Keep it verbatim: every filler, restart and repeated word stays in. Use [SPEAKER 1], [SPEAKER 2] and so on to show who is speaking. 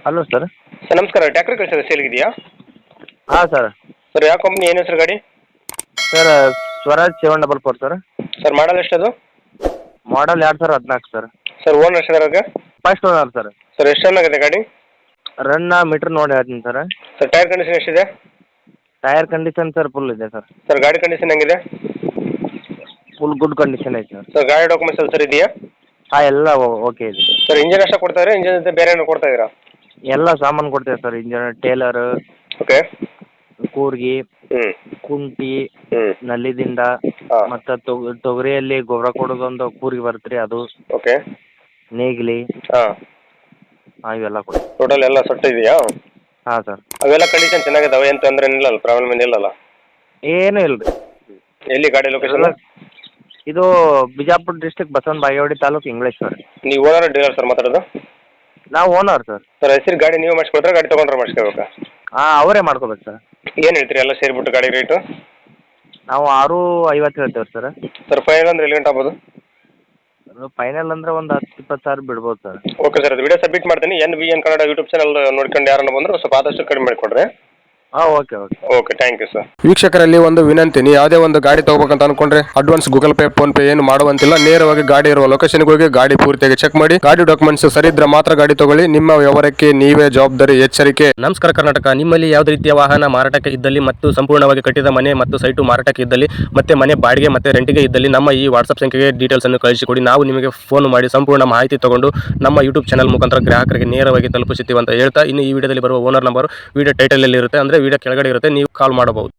[SPEAKER 1] Hello sir.
[SPEAKER 2] Sir ನಮಸ್ಕಾರ, ಟ್ಯಾಕ್ಟ್ರಿ ಕಳಿಸಿದ್ರೆ ಸೇಲ್ಗಿದೆಯಾ?
[SPEAKER 1] ಹಾಂ ಸರ್.
[SPEAKER 2] ಸರ್ ಯಾವ ಕಂಪ್ನಿ, ಏನು ಹೆಸರು ಗಾಡಿ?
[SPEAKER 1] Sir Swaraj seven double four sir.
[SPEAKER 2] Sir model ಎಷ್ಟದು?
[SPEAKER 1] ಮಾಡಲ್ ಎರಡು ಸಾವಿರ ಹದಿನಾಲ್ಕು ಸರ್.
[SPEAKER 2] ಸರ್ ಓನರ್ ಎಷ್ಟಿದಾರಾಗ?
[SPEAKER 1] First owner sir.
[SPEAKER 2] ಸರ್ ಎಷ್ಟು ರನ್ ಆಗಿದೆ ಗಾಡಿ?
[SPEAKER 1] ರನ್ನ ಮೀಟ್ರ್ ನೋಡಿ ಹೇಳ್ತೀನಿ ಸರ್.
[SPEAKER 2] ಸರ್ ಟೈರ್ ಕಂಡೀಷನ್ ಎಷ್ಟಿದೆ?
[SPEAKER 1] ಟೈರ್ ಕಂಡೀಷನ್ ಸರ್ ಫುಲ್ ಇದೆ ಸರ್.
[SPEAKER 2] ಸರ್ ಗಾಡಿ ಕಂಡೀಷನ್ ಹೆಂಗಿದೆ?
[SPEAKER 1] ಫುಲ್ ಗುಡ್ ಕಂಡೀಷನ್ ಐತೆ ಸರ್.
[SPEAKER 2] ಸರ್ ಗಾಡಿ ಡಾಕ್ಯುಮೆಂಟ್ಸ್ ಎಲ್ಲ ಸರ್ ಇದೆಯಾ?
[SPEAKER 1] ಹಾಂ ಎಲ್ಲ ಓಕೆ ಇದೆ ಸರ್.
[SPEAKER 2] ಸರ್ ಇಂಜಿನ್ ಅಷ್ಟೇ ಕೊಡ್ತಾ ಇದ್ದೀರಾ, ಇಂಜಿನ್ ಜೊತೆ ಬೇರೆ ಏನೋ ಕೊಡ್ತಾ ಇದ್ದೀರಾ?
[SPEAKER 1] ಎಲ್ಲ ಸಾಮಾನು ಕೊಡ್ತೇವೆ ಸರ್. ಇಂಜನ್, ಟೇಲರ್,
[SPEAKER 2] ಓಕೆ,
[SPEAKER 1] ಕೂರ್ಗಿ,
[SPEAKER 2] ಹ್ಞೂ
[SPEAKER 1] ಕುಂಟಿ,
[SPEAKER 2] ಹ್ಞೂ
[SPEAKER 1] ನಲ್ಲಿದಿಂದ
[SPEAKER 2] ಹಾಂ
[SPEAKER 1] ಮತ್ತು ತೊಗರಿಯಲ್ಲಿ ಗೊಬ್ಬರ ಕೊಡೋದೊಂದು ಕೂರ್ಗಿ ಬರುತ್ತೆ ರೀ, ಅದು
[SPEAKER 2] ಓಕೆ,
[SPEAKER 1] ನೇಗಿಲಿ,
[SPEAKER 2] ಹಾಂ
[SPEAKER 1] ಹಾಂ ಇವೆಲ್ಲ ಕೊಡಿ.
[SPEAKER 2] ಟೋಟಲ್ ಎಲ್ಲ ಸೊಟ್ಟು ಇದೆಯಾ?
[SPEAKER 1] ಹಾಂ ಸರ್.
[SPEAKER 2] ಅವೆಲ್ಲ ಕಂಡೀಷನ್ ಚೆನ್ನಾಗಿದಾವೆ, ಏನು ತೊಂದರೆ ಏನಿಲ್ಲಲ್ಲ, ಪ್ರಾಬ್ಲಮ್ ಏನಿಲ್ಲಲ್ಲ?
[SPEAKER 1] ಏನೂ ಇಲ್ಲ ರೀ.
[SPEAKER 2] ಎಲ್ಲಿ ಗಾಡಿ ಲೊಕೇಶನ್?
[SPEAKER 1] ಇದು ಬಿಜಾಪುರ ಡಿಸ್ಟಿಕ್, ಬಸವನ ಬಾಗೇವಾಡಿ ತಾಲೂಕು, ಇಂಗ್ಲೇಶ್ ಸರ್.
[SPEAKER 2] ನೀವು ಓನರ್ ಡೀಲರ್ ಸರ್ ಮಾತಾಡೋದು?
[SPEAKER 1] ನಾವು ಓನರ್ ಸರ್.
[SPEAKER 2] ಸರ್ ಹೆಸರು ಗಾಡಿ ನೀವು ಮಾಡಿಸ್ಕೊಡ್ತಾರೆ, ಗಾಡಿ ತೊಗೊಂಡ್ರೆ ಮಾಡಿಸ್ಕೋಬೇಕಾ?
[SPEAKER 1] ಹಾಂ ಅವರೇ ಮಾಡ್ಕೋಬೇಕು ಸರ್.
[SPEAKER 2] ಏನು ಹೇಳ್ತೀರಿ ಎಲ್ಲ ಸೇರಿಬಿಟ್ಟು ಗಾಡಿ ರೇಟು?
[SPEAKER 1] ನಾವು ಆರು ಐವತ್ತು ಹೇಳ್ತೇವೆ ಸರ್.
[SPEAKER 2] ಸರ್ ಫೈನಲ್ ಅಂದ್ರೆ ಎಲ್ಲಿ ಗಂಟೆ ಆಗ್ಬೋದು?
[SPEAKER 1] ಫೈನಲ್ ಅಂದರೆ ಒಂದು ಹತ್ತು ಇಪ್ಪತ್ತು ಸಾವಿರ ಬಿಡ್ಬೋದು ಸರ್.
[SPEAKER 2] ಓಕೆ ಸರ್, ಅದು ವಿಡಿಯೋ ಸಬ್ಮಿಟ್ ಮಾಡ್ತೀನಿ. N B N Kannada YouTube channel ನೋಡ್ಕೊಂಡು ಯಾರನ್ನ ಬಂದರೂ ಸ್ವಲ್ಪ ಆದಷ್ಟು ಕಡಿಮೆ ಮಾಡಿಕೊಡ್ರಿ.
[SPEAKER 1] ಹಾಂ okay okay
[SPEAKER 2] okay, thank you sir.
[SPEAKER 3] ವೀಕ್ಷಕರಲ್ಲಿ ಒಂದು ವಿನಂತಿ, ನೀವು ಯಾವುದೇ ಒಂದು ಗಾಡಿ ತಗೋಬೇಕಂತ ಅನ್ಕೊಂಡ್ರೆ advance Google Pay, PhonePe ಏನು ಮಾಡುವಂತಿಲ್ಲ. ನೇರವಾಗಿ ಗಾಡಿ ಇರುವ ಲೊಕೇಶನ್ಗೆ ಹೋಗಿ ಗಾಡಿ ಪೂರ್ತಿಯಾಗಿ ಚೆಕ್ ಮಾಡಿ, ಗಾಡಿ ಡಾಕ್ಯುಮೆಂಟ್ಸ್ ಸರಿ ಇದ್ರೆ ಮಾತ್ರ ಗಾಡಿ ತಗೊಳ್ಳಿ. ನಿಮ್ಮ ವ್ಯವಹಾರಕ್ಕೆ ನೀವೇ ಜವಾಬ್ದಾರಿ. ಎಚ್ಚರಿಕೆ.
[SPEAKER 4] ನಮಸ್ಕಾರ ಕರ್ನಾಟಕ. ನಿಮ್ಮಲ್ಲಿ ಯಾವುದೇ ರೀತಿಯ ವಾಹನ ಮಾರಾಟಕ್ಕೆ ಇದ್ದಲ್ಲಿ ಮತ್ತು ಸಂಪೂರ್ಣವಾಗಿ ಕಟ್ಟಿದ ಮನೆ ಮತ್ತು ಸೈಟು ಮಾರಾಟಕ್ಕೆ ಇದ್ದಲ್ಲಿ ಮತ್ತೆ ಮನೆ ಬಾಡಿಗೆ ಮತ್ತು ರೆಂಟಿಗೆ ಇದ್ದಲ್ಲಿ ನಮ್ಮ ಈ ವಾಟ್ಸ್ಆಪ್ ಸಂಖ್ಯೆಗೆ ಡೀಟೇಲ್ಸ್ ಅನ್ನು ಕಳಿಸಿಕೊಡಿ. ನಾವು ನಿಮಗೆ ಫೋನ್ ಮಾಡಿ ಸಂಪೂರ್ಣ ಮಾಹಿತಿ ತಗೊಂಡು ನಮ್ಮ ಯೂಟ್ಯೂಬ್ ಚಾನಲ್ ಮುಖಾಂತರ ಗ್ರಾಹಕರಿಗೆ ನೇರವಾಗಿ ತಲುಪಿಸುತ್ತೀವಿ ಅಂತ ಹೇಳ್ತಾ, ಇನ್ನು ಈ ವಿಡಿಯೋದಲ್ಲಿ ಬರುವ ಓನರ್ ನಂಬರ್ ವಿಡಿಯೋ ಟೈಟಲ್ ಅಲ್ಲಿ ಇರುತ್ತೆ, ಅಂದ್ರೆ ವಿಡಿಯೋ ಕೆಳಗಡೆ ಇರುತ್ತೆ, ನೀವು ಕಾಲ್ ಮಾಡಬಹುದು.